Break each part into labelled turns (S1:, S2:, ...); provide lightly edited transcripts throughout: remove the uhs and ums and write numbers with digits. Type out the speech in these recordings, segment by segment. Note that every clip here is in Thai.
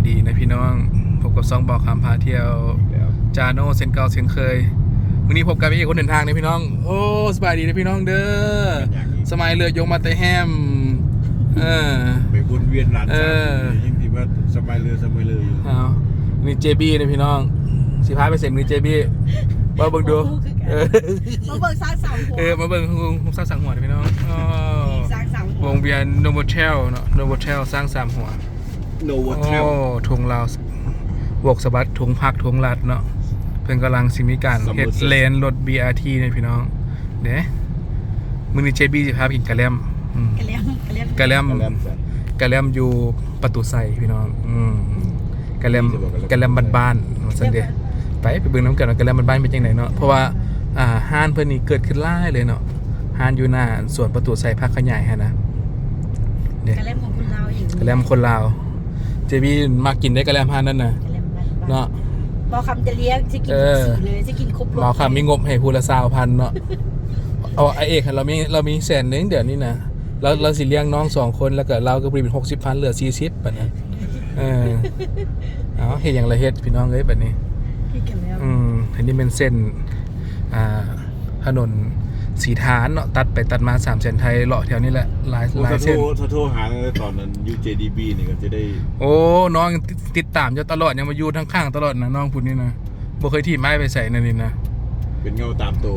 S1: ดีนะพี่น้องพบกับซองบอกคำพาเที่ยวจาโน่เซนเก่าเซนเคยวันนี้พบกับพี่คนเดินทางนะพี่น้องโอ้สบายดีนะพี่น้องเด้อสมัยเรือยงมาแต่แฮม
S2: ไปวนเวียนหลานสาวยิ่งที่ว่าสมัยเรืออยู่
S1: นี่เจบี้นะพี่น้องสิพาไปเสร็จนี่เจบี้มาเบิ่งดู
S3: มาเบิ่งสร้างเสาหัว
S1: มาเบิ่งสร้างสามหัวนะพี่น้อง
S3: สร้างเสาหัว
S1: วงเวียนโนโวเทลเนาะโนโวเทลสร้างสามหัว
S2: โนโวเทล
S1: ทุงลาวบวกสบัดทุงพักทุงลัดเนาะเพิ่นกำลังสิมีการเฮ็ดเลนรถ BRT เนี่ยพี่น้องเด้มื้อนี้เจบี้สิพาไปกินกะแลมกะแลมอยู่ประตูไซพี่น้องกะแลมบ้านๆว่าซั่นเด้ไปเบิ่งน้ำกันว่ากะแลมบ้านๆเป็นจังไดเนาะเพราะว่าห้านเพิ่นนี่เกิดขึ้นหลายเลยเนาะห้านอยู่หน้าสวนประตูไซภาคขยายฮะนะ
S3: เด้กะแลมของคนลาวอยู่
S1: กะแลมคนลาวเจบี้มากินได้กะแลมห้านนั่นน่ะเนาะ
S3: หมอคำจะเลี้ยงจะกินสีเลยจะกินครบรส
S1: หมอคำมีงบให้ผู้ละ 20,000 เนาะเอาไอเอกเรามี100,000เดี๋ยวนี้นะเราสิเลี้ยงน้อง2คนแล้วก็เราก็เป็น60,000เหลือ40บัดนี้เอาเฮ็ดหยังละเฮ็ดพี่น้องเอ้ยบัดนี้อันนี้เป็นเส้นถนนสีฐานเนาะตัดไปตัดมา3เส้นไทยเลาะแถวนี้แหละหลายเส้น
S2: โทรหาตอนนั้น UJDB นี่ก็จะได้
S1: โอ้น้องติดตามอยู่ตลอดยังมาอยู่ทั้งข้างตลอดนะน้องพูดนี่นะบ่เคยถีบไม้ไปใส่นั่นนี่นะ
S2: เป็นเงาตามโต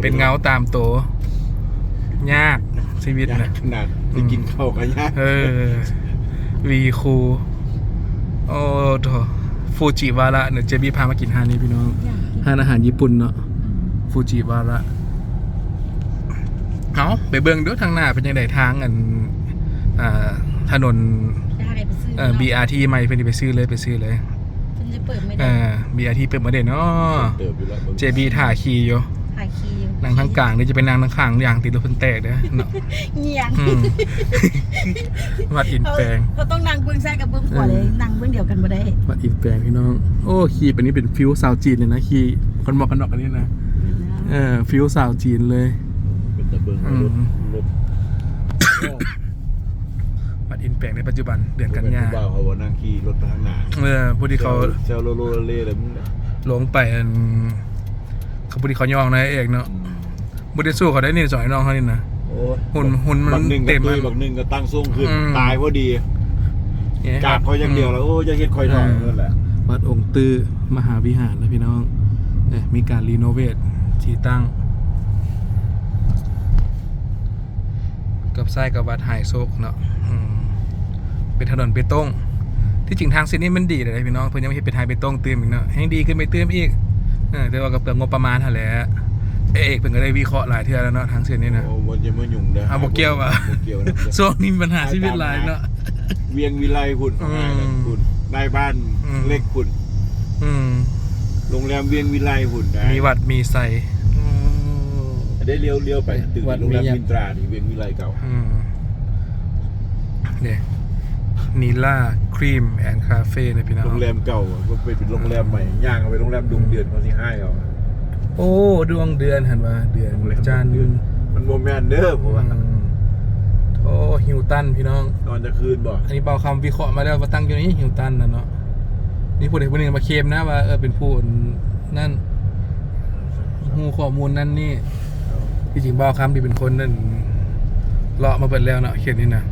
S1: ยากชีวิตนะ
S2: ขนาดจะกินข้าวกันยาก
S1: วีคูโอ้โถฟูจิวาระเนี่ยเจบี้พามากินฮานี้พี่น้องฮานอาหารญี่ปุ่นเนาะฟูจิวาระเอาไปเบิ่งดูทางหน้าเป็นยังไงทางถนนBRT ใหม่เพิ่นไปซื้อเลยเพิ่นจะเปิดไม่ได้BRT เปิดมาได้เนาะเจบี้ถ่าขี่อยู่นั่งทางกลางนี่จะเป็นนั่งทางข้างอย่างติดรถเพิ่นแตกเด้อเนาะ
S3: เงียง
S1: วัดอินแปลง
S3: เขาต้องนั่งเบื้องซ้ายกับเบื้องขวาเลยนั่งเบื้องเดียวกันบ่ได้
S1: วัดอินแปลงพี่น้องโอ้ขี่เป็นนี้เป็นฟิวสาวจีนเลยนะขี่คนบอกกันนอกกันนี่นะฟิวสาวจีนเลย
S2: เป็นตะเบิ่งรถ
S1: วัดอินแปลงในปัจจุบันเดือนกันยา
S2: เขาว่านั่งขี่รถไปทางหน้า
S1: ผู้ที่เขา
S2: เซลโลเล่เลยมึง
S1: ลงไปเขาผู้ที่เขาย่องนะเอกเนาะบุได้สู้เขาได้นี่สอยน้องเขานี่นะหุ่นมันเต็ม
S2: บักหนึ่งก็ตั้งส่งขึ้นตายพอดีกราบเขาอย่างเดียวแล้วโอ้จะเฮ็ดคอยทองนั่นแหละ
S1: วัดองค์ตื้อมหาวิหารนะพี่น้องมีการรีโนเวทที่ตั้งกับไส้กับวัดไฮโซกเนาะเป็นถนนเบตงที่จริงทางเส้นนี้มันดีเลยพี่น้องเพิ่นยังไม่เห็นเป็นไฮเบตงเติมอีกเนาะให้ดีขึ้นไปเติมอีกแต่ว่ากับเปลืองงบประมาณเท่าไหร่เอกเพิ่นก็ได้วิเคราะห์หลายเทื่อแล้วเนาะทางเส้นนี้นะ
S2: โอ้บ่จะมายุ่งเด้อ
S1: บ่เกี่ยวว่ะช่วงนี้ปัญหาชีวิตหลายเนาะ
S2: เวียงวิไลคุณคุณได้บ้านเล็กคุณโรงแรมเวียงวิไลคุณ
S1: มีวัดมีไซ
S2: ได้เลี้ยวไปตึกโรงแรมมินตราที่เวียงวิไลเก่า
S1: เนี่ยนีล่าครีมแอนด์คาเฟ่นะพี่น้อง
S2: โรงแรมเก่าก็เป็นโรงแรมใหม่ย่างเอาไปโรงแรมดวงเดือนเขาที่ให้เอา
S1: โอ้ดวงเดือนหันว่าเดือนจันทร์
S2: มันโมเมนต์เด้อผมว่า
S1: โอ้ฮิวตันพี่น้อง
S2: ตอนจะคืนบ่
S1: อันนี้เบาคำวิเคราะห์มาแล้วว่าตั้งอยู่นี่ฮิวตันนะเนาะนี่ผู้ใดผู้หนึ่งมาเคลมนะว่าเป็นผู้นั่นหูข้อมูลนั่นนี่ที่จริงเบาคำที่เป็นคนนั่นเลาะมาเปิดแล้วเนาะเขียนนี่นะ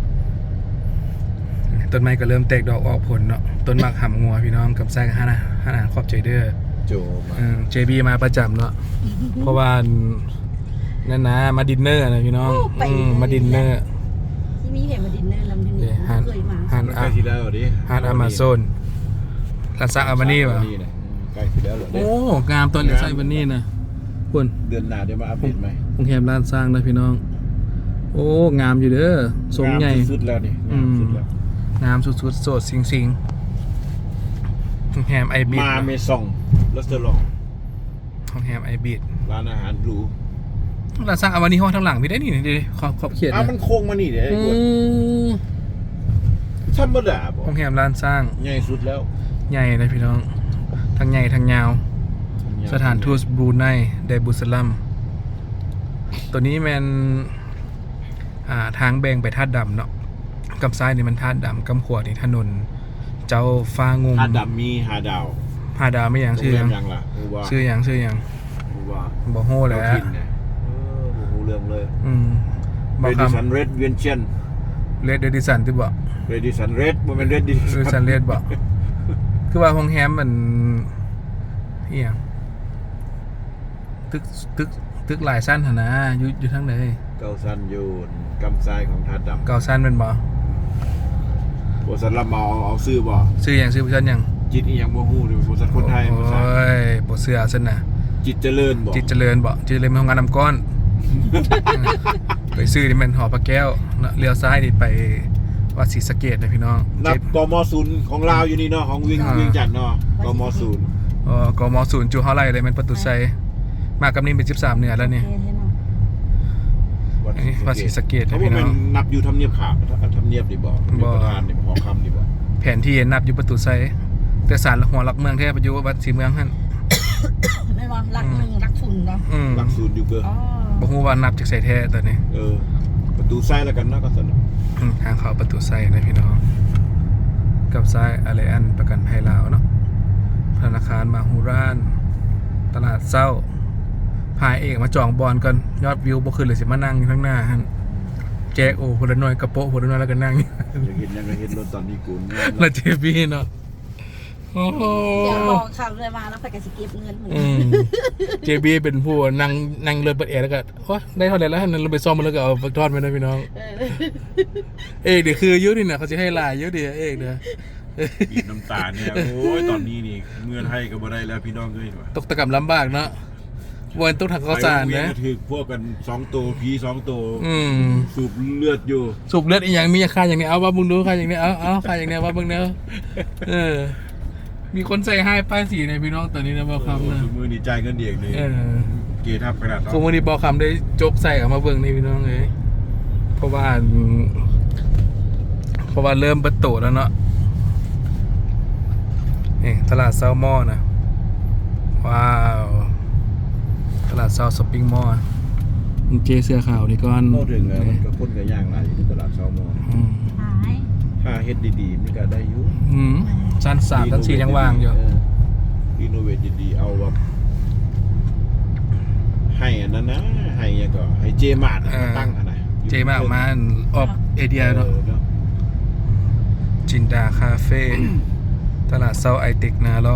S1: ต้นไม้ก็เริ่มแตกดอกออกผลเนาะต้นหมากหำงัวพี่น้องกับไส้กับห้าอาหารขอบใจเด้อเจบีมาประจำเนาะเพราะว่านั่นนะมาดินเนอร์นะพี่น้องมาดินเนอร์
S3: ที่มีเห็นมาดินเนอร์ลำดินเนอร์เคยมา
S2: ฮัน
S1: อามาโซนลาซาอาบานี่ป่ะ
S2: ใกล้ที่แล้วเหรอ
S1: โอ้งามตอนเลไซบันนี่นะคุณ
S2: เดือนหน้าเดี๋ยวมาอัปเดตไหม
S1: โรงแรมร้านสร้างนะพี่น้องโอ้งามอยู่เด้อทรงใหญ่
S2: สุดแล้วนี่
S1: งามสุดๆโสดสิงโรงแรมไอบี
S2: มาเมซองรัสเตอร์ลอง
S1: โรงแรมไอบี
S2: ร้านอาหารหรู
S1: ร้านสร้างอาบานี่ห้องทางหลังไม่ได้นี่ดิขอบเขียน
S2: มันโค้งมานี่เด้ธรรมดา
S1: โรงแรมร้านสร้าง
S2: ใหญ่สุดแล้ว
S1: ใหญ่เลยพี่น้องทั้งใหญ่ทั้งยาวสถานทูตบรูไนไดบุสลัมตัวนี้มันทางแบ่งไปท่าดำเนาะกับซ้ายนี่มันท่าดำกับขวานี่ถนนเจ้าฟ้างุม
S2: หาดดำมีหาดาว
S1: หาดาวไม่หยัง
S2: โรง
S1: ชื่อ
S2: แร
S1: หยั
S2: ม
S1: ง
S2: ยังล่ะฮู้ว่า
S1: ชื่อหยัง
S2: ฮู้ว่า
S1: บ่ฮู้แหล้
S2: เจ้าว ถิ่นเนี่ยบ่ฮู้เรื่องเลย
S1: บ่
S2: เร
S1: ค
S2: ดิสันเรดเวียนเชียน
S1: ำเลดเดดิสันที่บ่
S2: เรดิสันเรดบ่แม่นเรดดิ
S1: เดดิสันเลดบ่คือว่าโรงแรมมันอีหยังตึกหลายสั้นหั่นนะอยู่ทางไหน
S2: เกาซันอยู่กำทรายของหาดดำ
S1: เก่าสั้นเป็นบ่
S2: บ่สันรับเอาซื้อบ่
S1: ชื่อหยังชื่อเพิ่นหยัง
S2: จิตอีหยังบ่ฮู้เด้บ่สันคนไทยบ่สัน
S1: โอ้ยบ่เชื่อซั่นน่ะ
S2: จิตเจริญบ่
S1: จิตเจริญบ่จิตเจริญเป็นโรงงานน้ำก้อน ไปซื้อนี่มันหอพระแก้วเนาะเลี้ยวซ้ายนี่ไปวัดศรีสะเกษนะพี่น้อง
S2: นับกม0ของลาวอยู่นี่เนาะของเวียงจันทน์เนาะกม0
S1: กม0จูเฮาไร่เลยมันประตูไซมากับนี่เป็น13เหนือแล้วนี่อันนี้วัดศรีสะเกษ
S2: เขา
S1: นะ
S2: บ่
S1: พี่น้
S2: แม่
S1: อน ง
S2: นับอยู่ทำเนียบขาวทำเนียบนี่บ่เป็นประธานนี่บ่หอคำนี่บ่
S1: แผนที่นับอยู่ประตูไซแต่ศาลหัวหลักเมืองแท้ประยุวัดศรีเมืองหั่น
S3: ไม่ว่ารักหนึ่งรักทุนเนาะ
S2: หลักศูนย์อยู่เกอ
S3: อ๋อ
S1: บ่ฮู้ว่านับจากไสแท้ตอนนี้
S2: ประตูซ้ายแล้วกันเนาะก็สนุก
S1: ทางเข้าประตูไซนะพี่น้องกับซ้ายอะไรอันประกันภัยลาวเนาะธนาคารมาฮูรานตลาดเช้าพายเอกมาจองบอลกันยอดวิวบ่ขึ้นเลยสิมานั่งอยู่ข้างหน้าหั่นแจกโอ้คนละหน่อยกระโปะคนละหน่อยแล้วก็นั่งอยู่
S2: อยากเห็นยังก็เห็นรถตอนนี้กูเนี่ย
S1: แล้วเจบี้เนาะโอ้โห
S3: เดี๋ยวบอกคำเลยมาแล้วไปกับสกิปเงินเหมือน
S1: เจบี้เป็นผู้นั่งเรือเปิดแอร์แล้วก็โอ้ได้เท่าไหร่แล้วนั่นเราไปซ่อมมันแล้วก็เอาทอดไปนะพี่น้องเอกเดี๋ยวคือยุนี่นะเขาจะให้ลายยุเดี๋ยวเอกเดี๋ยว
S2: บีบน้ำตาเนี่ยโอ้ยตอนนี้นี่เงินให้ก็บ่ได้แล้วพี่น้องเอ้ยว่ะ
S1: ตกตะกับลำบากเนาะวันต้องถักข้าวสารนะ
S2: ถือพวกกัน2ตัวผี2ตัว สูบเลือดอยู่
S1: สูบเลือดอีกอย่างมีค่าอย่างนี้เอาว่ามึงดูค่าอย่างนี้เอาค่าอย่างนี้ว่ามึงเนาะมีคนใส่ให้ป้ายสีในพี่น้องตอนนี้นะบอกคำนะ
S2: มือนี่จ่ายเงินเด็กเลยเกทับขนาด
S1: คงวันนี้บอกคำได้จกใส่ออกมาเบิ่งนี่พี่น้องเลยเพราะว่าเริ่มประตูแล้วเนาะนี่ตลาดเซาหม้อนะว้าวตลาดเซาช้อปปิ้งมอลล์เจเสื้อขาวนี่ก่อน
S2: โม่ถึงแล้วมันก็คนกับย่างหลายอยู่ที่ตลาดเช้ามอ
S3: หาย
S2: ถ้าเฮ็ดดีๆมันก็ได้อยู่
S1: ชั้น3ชั้น4ยังว่างอยู่
S2: รีโนเวทดีๆเอาแบบให้อันนั้นนะให้ยังก็ให้เจมาร์ทมาตั้งอันไหน
S1: เจมากมาออกเอเดียเนาะจินดาคาเฟ่ตลาดเซาไอเทคนาลอง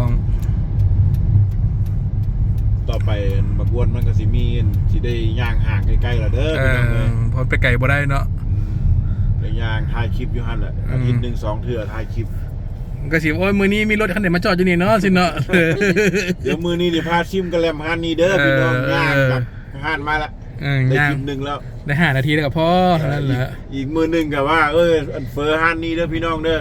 S2: ต่อไปบักวนมันก็สิมีสิได้ย่างห่างใกล้ๆแล้วเด้อพี่น้องเอ้ย
S1: พอไปไกลบ่ได้เนาะ
S2: ได้ย่างถ่ายคลิปอยู่หั่นแหละอาทิตย์นึง2เทื่อถ่ายคลิป
S1: ก็สิโอ้ยมื้อนี้มีรถคันไหนมาจอดอยู่นี่เนาะสิเนาะ
S2: เดี๋ยวมื้อนี้นี่พาชิมกระแลมห้านนี้เด้อพี่น้องย่างกับห้านมาละได้
S1: ย่าง
S2: คลิปนึงแล้ว
S1: ได้5 นาทีแล้วก็พอเท่านั้นแหละ
S2: อีกมื้อนึงก็ว่าอันเฟอร์ห้านนี้เด้อพี่น้องเด้อ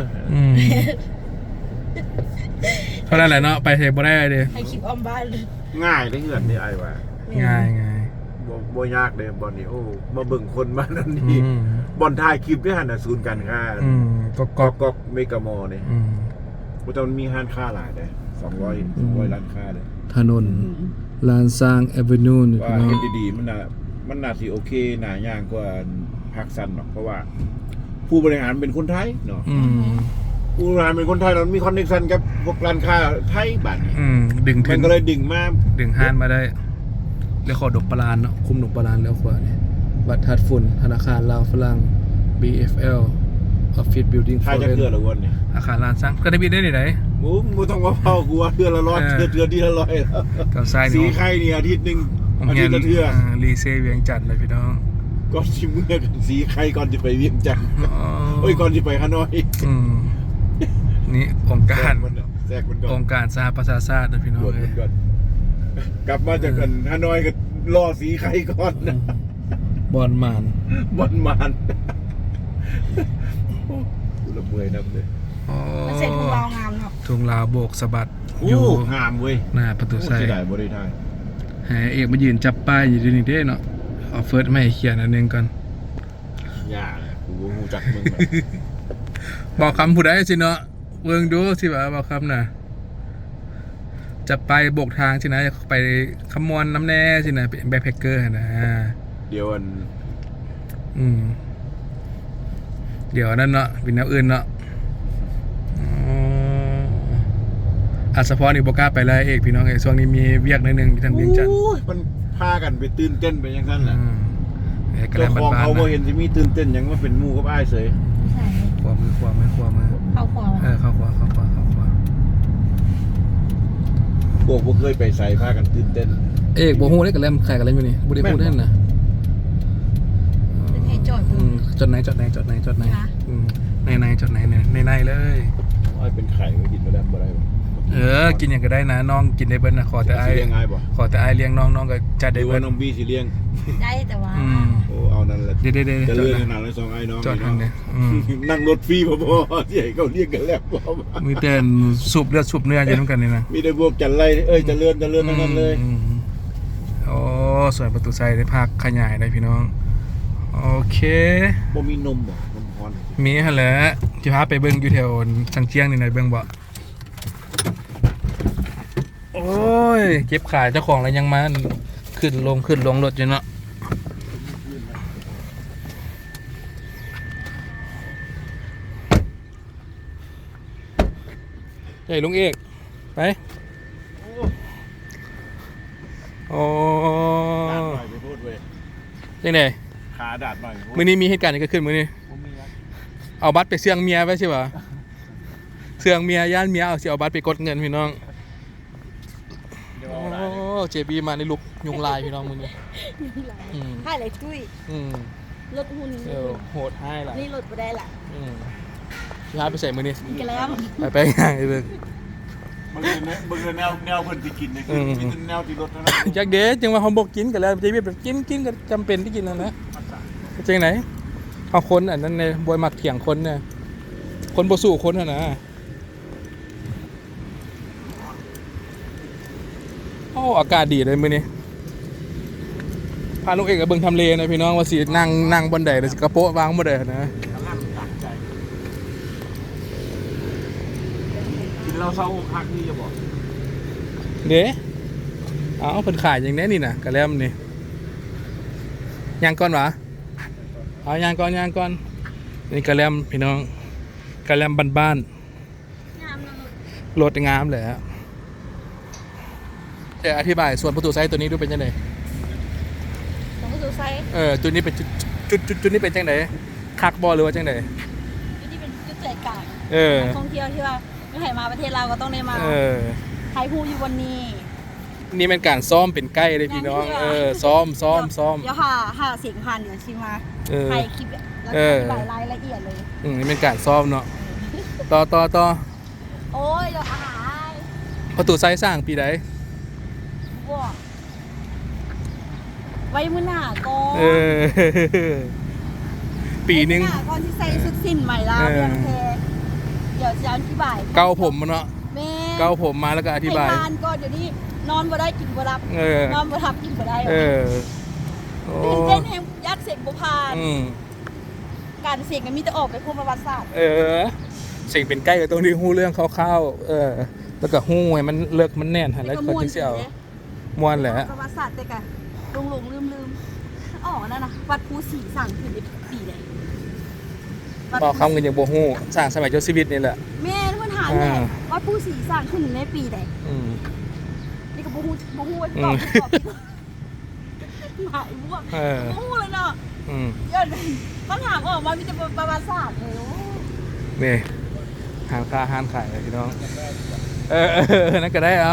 S1: เท่านั้นแหละเนาะไปเทบ่ได้เด้
S3: ให้คลิปออมบ้านเลย
S2: ง่ายได้เหือนได้ไอ้ว่า
S1: ง่าย
S2: บ่ยากเลยบอลนี่โอ้มาเบิ่งคนมานั่นนี่บอลถ่ายคลิปด้วยหั่นน่ะศูนย์การค้า
S1: ก็
S2: เมกะมอลล์นี่บ่แต่มันมีห้านค้าหลายเด้200ร้านค้าเด้
S1: ถนนลานซางแอเวนิวนี่
S2: ว่าเฮ็ดดีๆมันน่าสิโอเคน่าย่างกว่าภาคซันเนาะเพราะว่า ผู้บริหารเป็นคนไทยเนาะผู้บริหารเป็นคนไทยแล้วมีคอนเนคชั่นกับพวกร้านค้าไทยบัดนี้
S1: ดึง
S2: มันก็เลยดึงมา
S1: ห้านมาได้แล้วขอดกปลานเนาะคุมดกปลานแล้วขวานี่บัตรทัดฝุ่นธนาคารลาวฝรั่ง BFL Office Building
S2: ไทยจะเกือละวนนี่
S1: อาคารลานสร้างก็ได้บินได้ไหน
S2: บ่ต้องว่าเผากูว่าเทื่อละ100เทื่อที่ละ100แล้ว
S1: กับซ้าย
S2: สีไข่นี่อาทิตย์นึงอาทิตย์ละเทื่อ
S1: รีเซเวียงจันทร์เลยพี่น้อง
S2: ก่อนสิเมื่อกันสีไข่ก่อนจะไปเวียงจันทน์ก่อนจะไปฮานอย
S1: นี่องค์การ
S2: แทรกมันก่อน
S1: องค์การสหประชาชาตินะพี่น้อง
S2: มันก่อนกลับมาจากกันฮานอยก็รอสีไข่ก่อนนะ
S1: บอลมาน
S2: บอลมานละเมอยนับเลย
S3: มันเสร็จของเรางามเนาะ
S1: ทุ่งลาวโบกสะบัด
S2: อยู่งามเว้ย
S1: หน้าประตูไซ
S2: เสียดายบ่ได้ทาย
S1: แหมเอกมายืนจับป้ายอยู่ที่นี่เด้เนาะเอาเฟิร์สไม่ให้เขียนอันนึงก่อน
S2: ย่ากูบ่ฮู้จักมึง
S1: บอกคำผู้ใดสิเนาะเบิ่งดูสิว่าบอกคำน่ะจะไปโบกทางสินะไปขมวนน้ำแน่สินะเป็นแบ็คแพคเกอร์นะ
S2: เดี๋ยว
S1: เดี๋ยวนั่นเนาะเป็นแนวอื่นเนาะอัศพรนี่บ่กล้าไปเลยเอกพี่น้องเอกช่วงนี้มีเวียกหนิดนึงที่ทางเวียงจันทน์
S2: โอ้ยมันพากันไปตื่นเต้นไปอย่างนั้นแหละ
S1: เอกกระแล
S2: เจ้าม ของ
S1: บ้าน
S2: เขา
S1: ๆ
S2: บ่
S1: นะ
S2: เห็นสิมีตื่นเต้นหยังว่าเป็นหมู่กับอ้ายเสย
S3: ใช่
S1: ขวามือ
S3: เข้าครัว
S1: เข้าขวา
S2: พวกบ่เคยไปใส่พากันตื่นเต้น
S1: เอกบ่ฮู้ได้กระแลมใครกระแลมอยู่นี่บ่ได้ฮู้ได้นะ
S3: เป็นให้จอด
S1: จดไหนในจดไหนในเลย
S2: อ้ายเป็นไข่ก็กินบ่ได้บ่ได้บ่
S1: กินอย่างก็ได้นะน้องกินได้เบิ้ลนะขอแต่ไอ้
S2: สิเลี้ยงอ้ายบ่
S1: ขอแต่ไอ้เลี้ยงน้องก็จัด
S2: ห
S1: ได้
S2: รือ
S1: เบิ้
S2: ว่า
S1: ล
S2: น้องบี้สิเลี้ยง
S3: ได้แต่ว่า
S2: โอ้เอานั่นแหละ
S1: เดี๋ยว
S2: จะ
S1: จด
S2: เลื่อน
S1: นะ
S2: ขนาดเลยสองไอ้น้อง
S1: จด
S2: นี่
S1: ทาง
S2: เนาะ
S1: นี้
S2: นั่งรถฟรีพอๆที่ให้เขาเรียกกันแล้วบ่
S1: มีแต่สูบเลือดสูบเนื้ออยู่น้ำกันนี่นะ
S2: มีได้พวกจันไรจะเลื่อนทั้งนั้นเลย
S1: โอ้ส่วนประตูไซได้ภาคขยายได้พี่น้องโอเค
S2: บ่มีนมบ่นมพร
S1: มีหั่นแหละที่พาไปเบิ้งอยู่แถวสังเจียงนี่นะเบิ้งบ่โอ้ยเก็บขายเจ้าของแล้วยังมาขึ้นลงรถอยู่เนาะใหญ่ลุงเอกไปโอ้
S2: ดาดหน่อยไปพูดเว้ย
S1: ยังไง
S2: ขาดาดหน่อยไปพูด
S1: มื้อนี้มีเหตุการณ์อะไรเกิดขึ้นมื้อนี้
S2: ผมมีครับ
S1: เอาบัตรไปเสื่องเมียไว้ใช่ปะเสื่องเมียย่านเมียเอาบัตรไปกดเงินพี่น้อง
S2: เดี๋ยว
S1: โอ้
S2: เอาได้เลย
S1: เจบีมาในลุกยุงลายพี่น้องมื้อนี้ อืม
S3: ให้เลยจุ้ย
S1: อืม
S3: รถหุ่น
S1: โหดให้ล่ะ
S3: นี่รถบ่ได้ละ
S1: พี่ฮาร์ดไปใส่มื้อนี้
S3: กินกันแล้ว
S1: ไปง่ายเบิ่ง
S2: มึงเลยแนวเพิ่นสิกินนี่คือมีแต่แนวที่รถเท่านั้น
S1: จักเด้จังว่าเฮาบ่กินกันแล้วเจบีแบบกินก็จำเป็นที่กินนั่นนะจังไหนเอาคนอันนั้นในบ่มักเถียงคนเนี่ยคนบ่สู้คนน่ะนะโอ้อากาศดีเลยมื้อนี้พาลูกเอกกับเบิ่งทำเลนะพี่น้องว่าสินั่งบนใดแล้วสิกระโปะวางบ่ได้นะ
S2: กินเราเศร้าคักนี่จะบอก
S1: เด้เอาเพิ่นขายอย่างแนี้นี่น่ะกะแลมนี่ย่างก่อนหวะเอาย่างก่อนนี่กะแลมพี่น้องกะแลมบ้าน
S3: งามนะ
S1: ๆรถงามเลยฮะแต่อธิบายส่วนประตูไซส์ตัวนี้ดูเป็นจังได
S3: ของผู้สูงไซส์
S1: ตัวนี้เป็นจุดนี้เป็นจังไดคักบ่หรือว่าจังได
S3: จุดที่เป็นจุดใจกลาง
S1: เออ
S3: นักท่องเที่ยวที่ว่าไม่ให้มาประเทศเราก็ต้องได้มา
S1: เออ
S3: ไทยภูอยู่บนนี้
S1: นี่เป็นการซ้อมเป็นใกล้เลยพี่น้องซ้อม
S3: เดี๋ยวหาเสียงพันเดี๋ยวชิมา
S1: เออ
S3: ไทยคลิปแล้ว
S1: เอ
S3: อ
S1: อ
S3: ธิบายรายละเอียดเลย
S1: นี่เป็นการซ้อมเนาะต่อ
S3: โอ้ยเดี๋ยวอาหาร
S1: ประตูไซส์สร้างปีใด
S3: ว้าไว้มื้อหน้าก่อน
S1: เออ ปีหนึง
S3: ไว้มื้อหาก่อนที่ใส่สุดสิ้นใหม่แล้ว
S1: เออ
S3: เรื่องเพเดี๋ยวจะอธิบาย
S1: เกาผมมาเนาะ
S3: แม่
S1: เกาผมมาแล้วก็อธิบาย
S3: ให้ทานก่อนเดี๋ยวนี้นอนบ่ได้กินบ่รับ
S1: เออ
S3: นอนบ่ทับกินบ่ได้
S1: เออโอ้
S3: ตื่นเต้นแห่งยัดเสกบ่ผ่าน
S1: อืม
S3: การเสกมันมีแต่ออกไปพูดประวัติศาสตร์
S1: เออ สิ่งเป็นใกล้กับตรงที่หู้เรื่องคร่าวๆแล้วก็หู้ให้มันเลิกมันแน่นหันแล้วคนที่เสียวม่วนแหละ
S3: ประวัติศาสตร์แต่กันหลงลืมอ๋อนั่นน่ะวัดภูสีสั่งขึ้นในปีใด
S1: บอกคำกันอย่างโบหู้สร้างสมัยเจ้าชีวิตนี่แหละ
S3: แม่เพิ่นถามแหละวัดภูสีสั่งขึ้นในปีใด
S1: อืม
S3: นี่ก็บ่ฮู้ว่า
S1: อื
S3: ตอ
S1: ม
S3: บหายบวก
S1: เออ
S3: บ่ฮู้เลยเนาะ
S1: อืม
S3: เดี๋ยวต้องถามออกมามีแต่ประวัติศาสตร์เลยโอ้
S1: นี่ห้านค้าห้านขายเลยพี่น้อง นั่นก็ได้เอา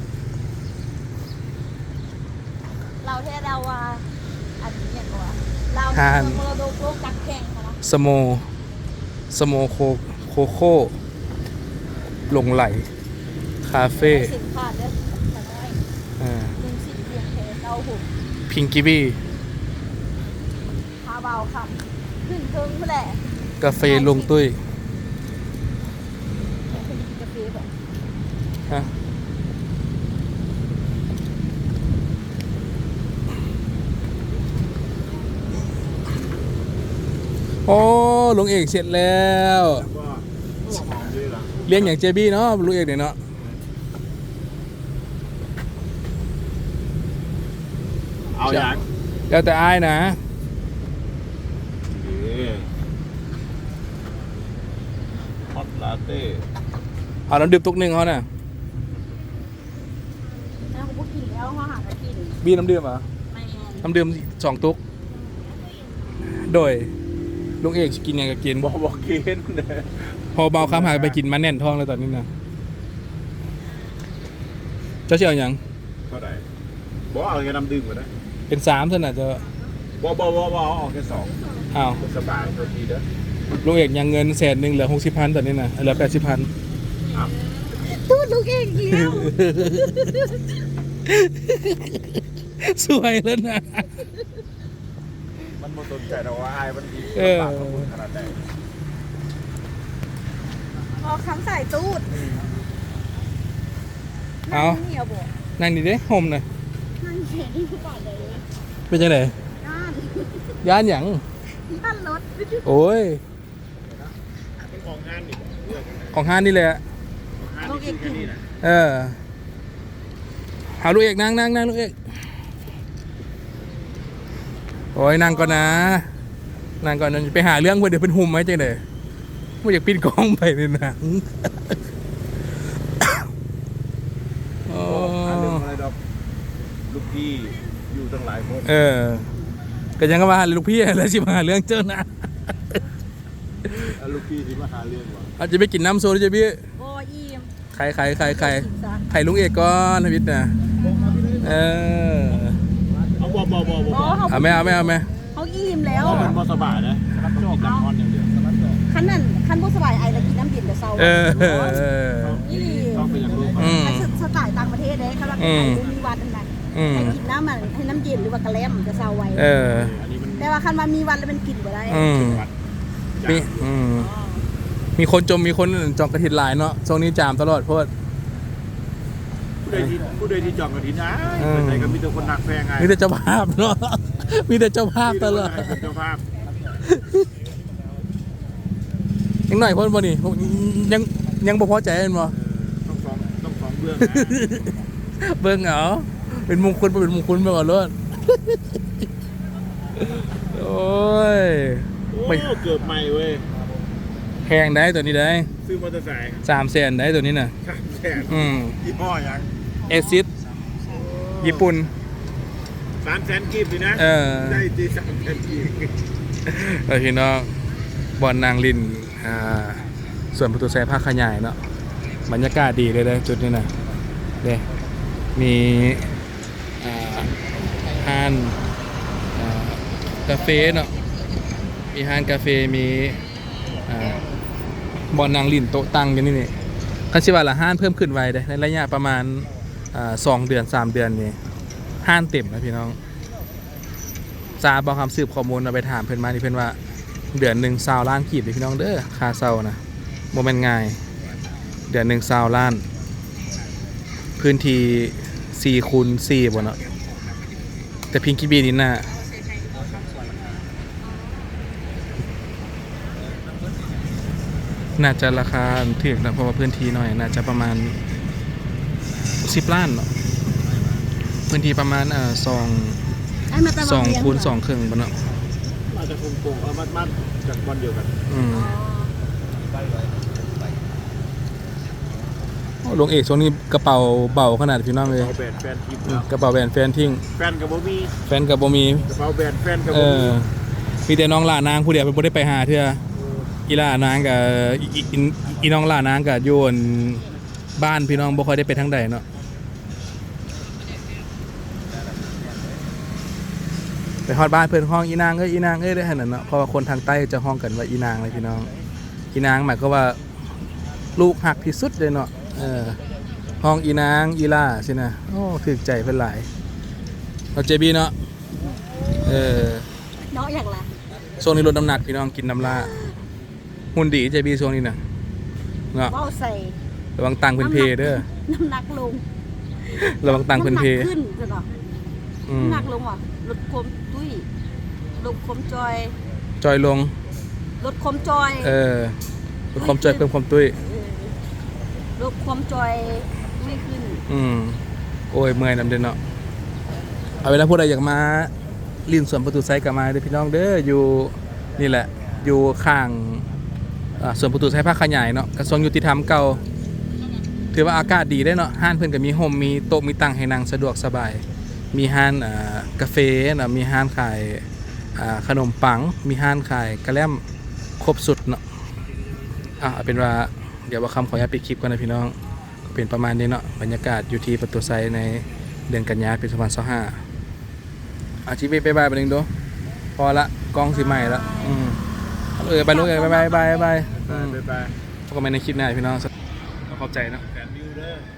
S3: เราแท้เราว่าอันนี้เนี่ยก็ว่าเราเมอโดโลกจักแข่งค่ะเนาะ
S1: สโมโคโค่หลงไหล คาเฟ่
S3: สินค้าเด้อแต่น้อยลุงสิเพียงแค่เก้าหุบ
S1: พิงกี้บี้
S3: พาเบาค่ะขึ้นเทิงเพื่อแหละ
S1: กาแฟลงตุ้ย
S3: กาแฟแบบ
S1: ฮะโอ้ลุงเอกเสร็จแล้ว
S2: ว่าหอมดีล่ะ
S1: เลี้ยงอย่างเจบี้เนาะลุงเอกเนี่ยเนาะ
S2: เอาอย่าง
S1: แล้วแต่อายนะ
S2: ฮอตลาเต้
S1: เอาน้ำดื่มตุกหนึ่งเขาน่ะบีน้ำดื่มเหรอ
S3: ไม่
S1: น้ำดื่ม2 ตุ๊กโดยลุงเอกสิกินหยังก็กิน
S2: บอกเกณฑ์
S1: พอเบาคำหายไปกินมาแน่นท้องแล้วตอนนี้นะเจ้าเชี่ยวหยัง
S2: เท่าไหร่บอกเอาแค่น้ำดื่มก็ได้
S1: เป็น3เท่านั้นจะ
S2: บอกเอาแค่2
S1: อ้าว
S2: สบายโทษทีเด้อ
S1: ลุงเอกยังเงิน100,000เหลือ60,000ตอนนี้นะเหลือ80,000
S3: ตูดลูกเองเดียว
S1: สวยแล้วนะ
S2: มันบ่สนใจแต่ว่าอายมันดี
S1: เออ
S2: ปากมันขนาดไหน
S3: พอคำใส่ตูด
S1: เอา
S3: เหนียวบ่
S1: นั่งดีเด้ห่มหน่อย
S3: นั่งเขียนที่ก่อนเลย
S1: เป็นจังได
S3: ย่าน
S1: ย่านหยัง
S3: ย่านรถ
S1: โอ้ย
S2: เป็นของงานนี่บอกเลือกกันนะ
S1: ของห้านนี่แหละ
S2: งานนี่คือแค่นี้นะ
S1: เออเอาลูกเอกนั่งลูกเอกโอ้ยนั่งก่อนนะนั่งก่อนนะไปหาเรื่องเพื่อนเดี๋ยวเป็นหุ่มไหมจังไดไม่อยากปิดกล้องไปในหนังโอ้
S2: หาเรื่องอะไรดอกลูกพี่อยู่ตั้งหลายคน
S1: เออก็ยังก็มาหาลูกพี่แล้วสิมาหาเรื่องเจ้านะ
S2: แล้วลูกพี่ที่มาหาเรื่องวะ
S1: อาจจะไปกินน้ำโซดาจะพี่
S3: โอ้อิ่ม
S1: ไข่ลุงเอกก่อนทวิตนะเออ
S2: เอาบอก
S1: เอาไหม
S3: เขาอิ่มแล้ว
S2: มันบ่สบายนะรับจอบน้ำร้อนอย่างเดียว
S3: คันบ่สบายไอแล้วกินน้ำเย็นแต่เช้า
S1: เออ
S3: นี่ดิ
S2: ต้องเป็นอย่างรู้
S1: อืม
S3: คันสไตล์ต่างประเทศเด้เขารับไอมีวันนั่น
S1: อืม
S3: ให้กินน้ำมันให้น้ำเย็นหรือว่ากระแลมจะเช้าไว้
S1: เออ
S2: อันนี้มัน
S3: แต่ว่าคันมามีวันแล้วมันกินบ่ได้
S1: อืม
S2: วัด
S1: มีมีคนจมมีคนจองกระถินหลายเนาะช่วงนี้จามตลอดเพราะว่า
S2: ผู้ใดที่จองกระถินนะ
S1: อืม
S2: แต่ก็มีแต่คนหนักแฟงไง
S1: มีแต่เจ้าภาพเนาะ มีแต่เจ้าภาพตลอด
S2: เป็นเจ้าภาพ
S1: ยังหน่อยคนบ่นี่ยังบ่พอใจกันบ่
S2: ต้องสองเบื้องนะ
S1: เบิ่งเอาเป็นมงคลบ่เป็นมงคลไปก่อนเลย โอ้ย
S2: โอ้เกือบใหม่เว้ย
S1: แพงได้ตัวนี้ได้
S2: ซื้อมอเตอร์ไซค์
S1: 300,000ได้ตัวนี้น่ะ
S2: 300,000
S1: อืม
S2: ยี่ห้อยัง
S1: เอซิสญี่ปุ่น
S2: 300,000กีบสินะ
S1: เออ
S2: ได้ตี300,000กีบ
S1: พี่น้องบอลนางลินส่วนประตูแซภาคขยายเนาะบรรยากาศดีเลยนะจุดนี้นะเด้มีห้านกาเฟ่เนาะมีห้านกาเฟ่มีบอลนางลินโต๊ะตั้งกันนี่นี่คันชิว่าละห้านเพิ่มขึ้นไวเด้ในระยะประมาณ2 เดือน 3 เดือนนี่ห้านเต็มนะพี่น้องซาบอกคำสืบข้อมูลเราไปถามเพื่อนมาที่เพื่อนว่าเดือนหนึ่ง20 ล้านกีบเลยพี่น้องเด้อค่าเซานะโมเมนต์ง่ายเดือนหนึ่ง20 ล้านพื้นที่4 คูณ 4บ่เนาะแต่พิงกี้บีนี่น่ะน่าจะราคาถึกนะเพราะว่าพื้นที่น้อยน่าจะประมาณ10 ล้านเนาะพื้นที่ประมาณ2 คูณ 2 ครึ่งบ่เนาะ
S2: อาจจะคงเอามัดจากวันเดียวกัน
S1: หลวงเอกช่วงนี้กระเป๋าเบาขนาดพี่น้องเลย
S2: เอาแบรนด์แฟนทีม
S1: กระเป๋าแบรนด์แฟนทิ้ง
S2: แฟนกับโบมี
S1: แฟนกับบ่มี
S2: กระเป๋าแบรนด์แฟนกับ
S1: เอ
S2: โบ
S1: อ
S2: มี
S1: มีแต่น้องหลานางผู้เดียวเป็นบ่ได้ไปหาเทื่ออีหลานางกับอีน้องหลานางกับอยู่บ้านพี่น้องบ่ค่อยได้ไปทางใดเนาะไปฮอดบ้านเพิ่นห้องอีนางเอ้ยได้ขนาดเนาะเพราะว่าคนทางใต้จะห้องกันว่าอีนางเลยพี่น้องอีนางหมายก็ว่าลูกหักที่สุดเลยเนาะห้องอีนางอีล่าสินะโอ้ถึกใจเพิ่นหลายเอาเจบีเนาะ
S3: เนาะอย่างไร
S1: ช่วงนี้ลดน้ำหนักพี่น้องกินน้ำลาหุ่นดีเจบีช่วงนี้นะเนาะ
S3: ว่าวใส่
S1: ระวังตังเพิ่นเพเด้อ
S3: น้ำหนักลง
S1: ระวังตังเพิ่นเพ
S3: ำหกขึ้นจ้ะเนาะ
S1: อืม
S3: น้ำหนักลงว่ะลดความตุ้ยลดความจอย
S1: จอยลง
S3: ลดความจอย
S1: ลดความจอยเพิ่มความตุ้ย
S3: ลดความจอยไม่ขึ้น
S1: โอ้ยเมื่อยนำเด้อเนาะเอาเวลาผู้ใดอยากมาลินสวนประตูไซกับมาเด้อพี่น้องเด้ออยู่นี่แหละอยู่ข้างสวนประตูไซภาคขยายเนาะกระทรวงยุติธรรมเก่าถือว่าอากาศดีได้เนาะห้านเพิ่นก็มีโฮมมีโต๊ะมีตังให้นั่งสะดวกสบายมีห้านกาแฟนะมีห้านขายขนมปังมีห้านขายกระแลมครบสุดเนาะเอาเป็นว่าเดี๋ยวว่าคำขออนุญาตปิดคลิปก่อนนะพี่น้องก็เป็นประมาณนี้เนาะบรรยากาศอยู่ที่ประตูไซในเดือนกันยายนปี2025ชีวิตบายไปหนึ่งดูพอละกล้องสีใหม่ละไปลูกบาย
S2: ไป
S1: พบกันใหม่ในคลิปหน้าพี่น้องขอบใจเนาะ
S2: แฟนวิวเด้อ